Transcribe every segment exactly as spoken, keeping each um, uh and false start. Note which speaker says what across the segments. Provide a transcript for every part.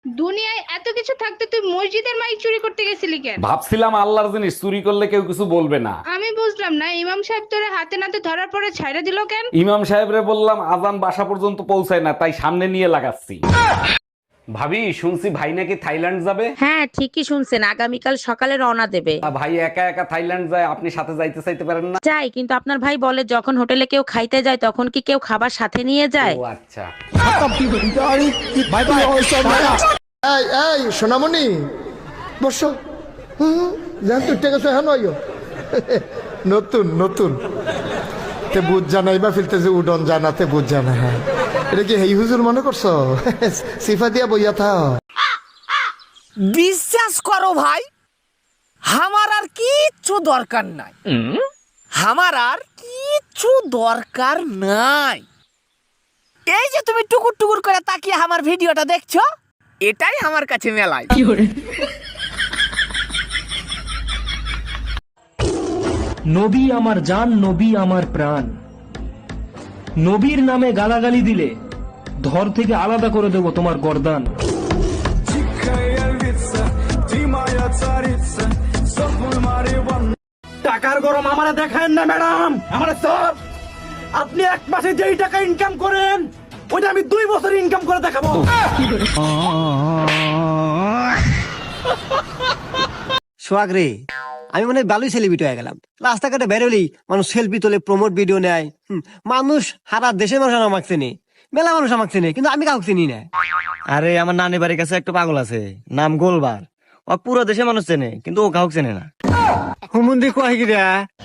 Speaker 1: দুনিয়ায় এত কিছু থাকতে তুই মসজিদের মাইক চুরি করতে গেছিলি কেন?
Speaker 2: ভাবছিলাম আল্লাহর জিনিস চুরি করলে কেউ কিছু বলবে না।
Speaker 1: আমি বুঝলাম না, ইমাম সাহেব তোরে হাতে নাতে ধরার পরে ছাইড়া দিল কেন?
Speaker 2: ইমাম সাহেবরে বললাম আজান বাসা পর্যন্ত পৌঁছায় না, তাই সামনে নিয়ে লাগাচ্ছি। ভাবি শুনছি ভাই নাকি থাইল্যান্ড যাবে।
Speaker 3: হ্যাঁ ঠিকই শুনছেন, আগামীকাল সকালে রওনা দেবে।
Speaker 2: আ, ভাই একা একা থাইল্যান্ড যায়, আপনি সাথে যাইতে চাইতে পারেন না?
Speaker 3: যাই, কিন্তু আপনার ভাই বলে যখন হোটেলে কেউ খাইতে যায় তখন কি কেউ খাবার সাথে নিয়ে যায়?
Speaker 2: ও আচ্ছা।
Speaker 4: এই এই সোনামণি বসো। হুম জান তুই টেকে হ্যাঁ নয় নতুন নতুন তে বুঝ জানাই বা ফিলতে যে উডন জানাতে বুঝ জানা। হ্যাঁ এটা কি হেই হুজুর মনে করছো? সিফা দিয়া বইয়া থাও।
Speaker 5: বিশ্বাস করো ভাই, আমার আর কিচ্ছু দরকার নাই, আমার আর কিচ্ছু দরকার নাই। এই যে তুমি টুকুর টুকুর করে তাকিয়ে আমার ভিডিওটা দেখছো, এটাই আমার কাছে মেলায়।
Speaker 6: নবী আমার জান, নবী আমার প্রাণ। নবীর নামে গালাগালি দিলে ধর থেকে আলাদা করে দেব তোমার গর্দান।
Speaker 7: টাকার গরম আমারে দেখায় না ম্যাডাম, আমার সব আপনি এক মাসে যেই টাকা ইনকাম করেন ওইটা আমি দুই বছর ইনকাম করে দেখাবো।
Speaker 8: সোহাগ রে, আমি মানে ভালোই সেলিব্রিটি হয়ে গেলাম। রাস্তাঘাটে বেরোলি মানুষ সেলফি তোলে, প্রমোট ভিডিও নেয়। হুম, মানুষ সারা দেশের মানুষ আমাকে চেনে, মেলা মানুষ আমাকে চেনে, কিন্তু আমি কাউকে চিনি না।
Speaker 9: আরে আমার নানি বাড়ির কাছে একটা পাগল আছে, নাম গোলবার। ও পুরো দেশে মানুষ চেনে, কিন্তু ও কাউকে চেনে না।
Speaker 8: হুমুন্দি কয় কি রে?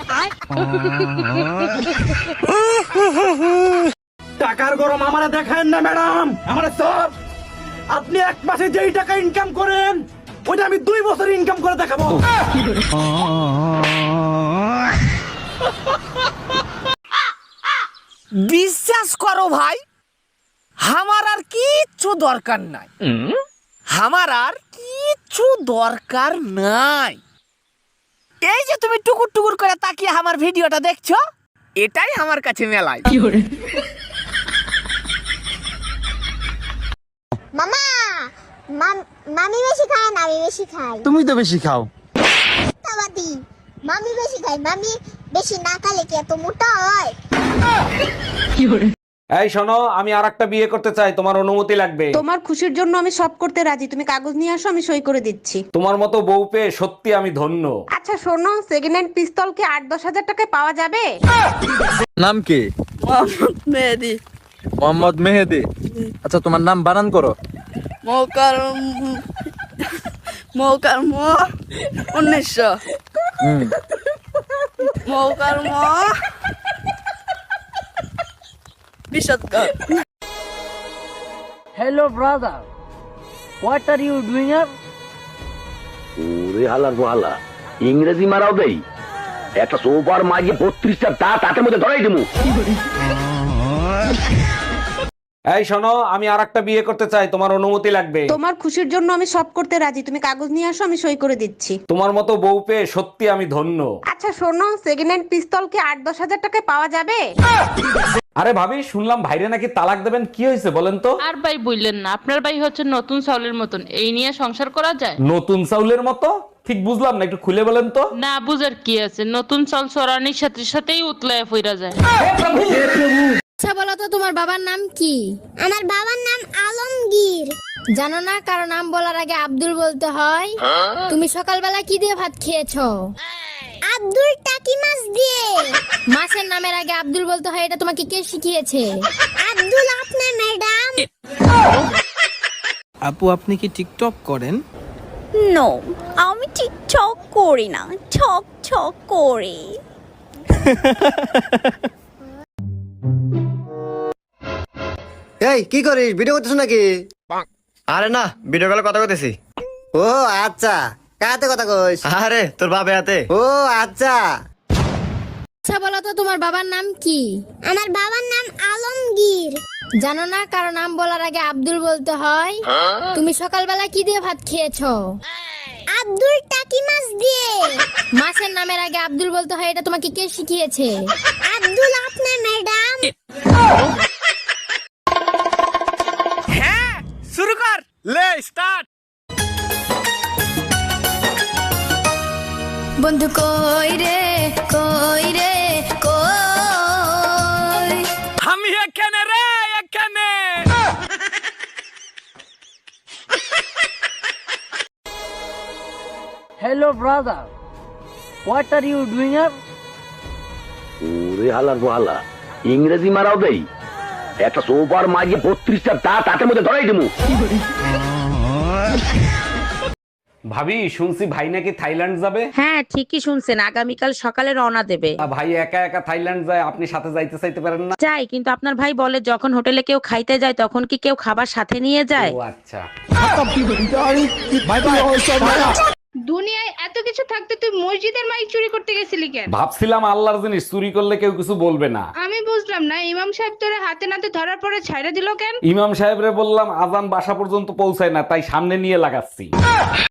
Speaker 7: টাকার গরম আমারে দেখায় না ম্যাডাম, আমার সব আপনি এক মাসে যেই টাকা ইনকাম করেন ওইটা আমি দুই বছর ইনকাম করে দেখাবো।
Speaker 5: বিশ্বাস করো ভাই, আমার আর কিচ্ছু দরকার নাই, আমার আর কিচ্ছু দরকার নাই। এই যে তুমি টুকুর টুকুর করে তাকিয়ে আমার ভিডিওটা দেখছো, এটাই আমার কাছে মেলায়।
Speaker 10: মামা মাম- মামি বেশি খায় না আমি বেশি খাই?
Speaker 9: তুমি তো বেশি খাও।
Speaker 10: মিথ্যাবাদী, মামি বেশি খায়। মামি বেশি না খেলে কি এত মোটা হয়?
Speaker 2: এই শোনো, আমি আর একটা বিয়ে করতে চাই, তোমার অনুমতি লাগবে।
Speaker 3: তোমার খুশির জন্য আমি সব করতে রাজি, তুমি কাগজ নিয়ে আসো, আমি সই করে দিচ্ছি।
Speaker 2: তোমার মতো বউ পেয়ে সত্যি আমি ধন্য।
Speaker 3: আচ্ছা শোনো, সেকেন্ড হ্যান্ড পিস্তল কি আট দশ হাজার টাকায় পাওয়া যাবে?
Speaker 9: নাম কি?
Speaker 5: মেহেদি
Speaker 9: মোহাম্মদ মেহেদি। আচ্ছা তোমার নাম বানান করো।
Speaker 5: মৌকার মৌকার ম উনিশশো
Speaker 9: হুম।
Speaker 5: মৌকার ম বিশদকার।
Speaker 8: Hello brother, what are you doing here?
Speaker 11: ওরে হালার হালা ইংরেজি মারাও দেই, একটা সোফার মাঝে বত্রিশটা দাঁত তাতের মধ্যে ধরাই দেবো।
Speaker 2: এই শোনো, আমি আর একটা বিয়ে করতে চাই, তোমার অনুমতি লাগবে।
Speaker 3: তোমার খুশির জন্য আমি সব করতে রাজি, তুমি কাগজ নিয়ে আসো, আমি সই করে দিচ্ছি।
Speaker 2: তোমার মতো বউ পেয়ে সত্যি আমি ধন্য।
Speaker 3: আচ্ছা শোনো, সেকেন্ড হ্যান্ড পিস্তল কি আট দশ হাজার টাকায় পাওয়া যাবে?
Speaker 2: আরে ভাবি, শুনলাম ভাইরে নাকি তালাক দেবেন, কি হয়েছে বলেন তো?
Speaker 1: আর ভাই বললেন না, আপনার ভাই হচ্ছে নতুন চাউলের মতন, এই নিয়ে সংসার করা যায়?
Speaker 2: নতুন চাউলের মতো? ঠিক বুঝলাম না, একটু খুলে বলেন তো।
Speaker 1: না বুঝার কি আছে, নতুন চাল চড়ানির সাথে সাথেই উতলায় ফিরা যায়।
Speaker 10: আচ্ছা বলো তো, তোমার বাবার নাম কি? আমার বাবার নাম আলমগীর। জানো না কারো নাম বলার আগে আব্দুল বলতে হয়? তুমি সকালবেলা কি দিয়ে ভাত খেয়েছো? আব্দুল টাকি মাছ দিয়ে। মাছের নামের আগে আব্দুল বলতে হয়, এটা তোমাকে কে শিখিয়েছে? আব্দুল আপনার ম্যাডাম।
Speaker 5: আপু আপনি কি টিকটক করেন?
Speaker 10: নো, আমি টিকটক করি না, ছক ছক করি।
Speaker 8: এই কি করিস, ভিডিও করতেছ নাকি?
Speaker 9: আরে না, ভিডিও কলে কথা কইতেছি।
Speaker 8: ও আচ্ছা, কাতে কথা কইস?
Speaker 9: আরে তোর বাবা হাতে।
Speaker 8: ও আচ্ছা।
Speaker 10: আচ্ছা বলো তো, তোমার বাবার নাম কি? আমার বাবার নাম আলমগীর। জানো না কারো নাম বলার আগে আব্দুল বলতে হয়? তুমি সকালবেলা কি দিয়ে ভাত খেয়েছো? আব্দুল টাকি মাছ দিয়ে। মাছের নামের আগে আব্দুল বলতে হয়, এটা তোমাকে কে শিখিয়েছে? আব্দুল আপনার ম্যাডাম।
Speaker 5: হ্যাঁ শুরু কর। লে স্টার্ট।
Speaker 10: বন্ধু কই রে কই রে কই,
Speaker 5: আমি এখানে রে এখানে।
Speaker 8: Hello brother, what are you doing here?
Speaker 11: ওরে হালার হালা ইংরেজি মারাও দেই, একটা সোফার মাঝে বত্রিশটা দাঁত তাতের মধ্যে ধরাই দিমু।
Speaker 2: ভাবি শুনছি ভাই নাকি থাইল্যান্ড যাবে।
Speaker 3: হ্যাঁ ঠিকই শুনছেন, আগামীকাল সকালে রওনা দেবে।
Speaker 2: তা ভাই একা একা থাইল্যান্ড যায়, আপনি সাথে যাইতে চাইতে পারেন না?
Speaker 3: যাই, কিন্তু আপনার ভাই বলে যখন হোটেলে কেউ খাইতে যায় তখন কি কেউ খাবার সাথে নিয়ে যায়?
Speaker 2: ও আচ্ছা।
Speaker 1: দুনিয়ায় এত কিছু থাকতে তুই মসজিদের মাইক চুরি করতে গেছিলি কেন?
Speaker 2: ভাবছিলাম আল্লাহর জিনিস চুরি করলে কেউ কিছু বলবে না।
Speaker 1: আমি বুঝলাম না, ইমাম সাহেব তোরে হাতে নাতে ধরার পরে ছাইড়া দিল কেন?
Speaker 2: ইমাম সাহেবরে বললাম আজান বাসা পর্যন্ত পৌঁছায় না, তাই সামনে নিয়ে লাগাচ্ছি।